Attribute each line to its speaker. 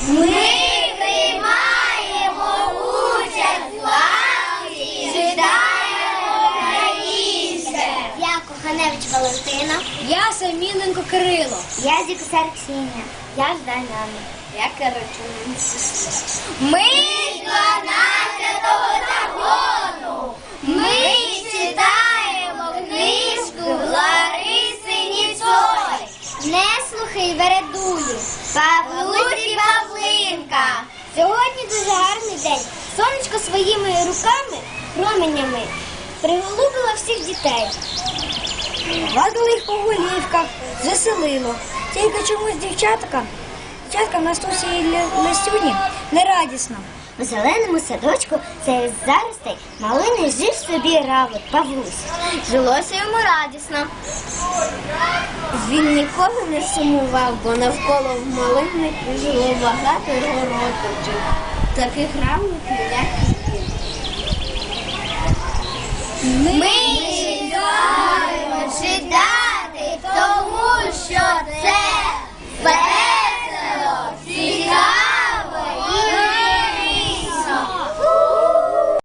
Speaker 1: Ми приймаємо участь в акції «Читаємо українське».
Speaker 2: Я Коханевич Валентина.
Speaker 3: Я Саміленко Кирило.
Speaker 2: Я Зікусар Ксенія. Я Жданяна.
Speaker 3: Я Карачун Сесія.
Speaker 1: Ми з 12-го загону. Ми читаємо книжку Лариси Ніцой.
Speaker 2: Не слухай вередулю.
Speaker 1: Павлусі Павлинка.
Speaker 2: Сьогодні дуже гарний день. Сонечко своїми руками, променями, приголубило всіх дітей.
Speaker 3: Гладили їх по голівках, заселило. Тільки чомусь дівчаткам Настусі і Лисюні нерадісно.
Speaker 2: У зеленому садочку серед заростей малини жив собі равлик Павлусь.
Speaker 1: Жилося йому радісно.
Speaker 3: Він ніколи не сумував, бо навколо в малини жило багато городочок. Таких равликів, як і він.
Speaker 1: Ми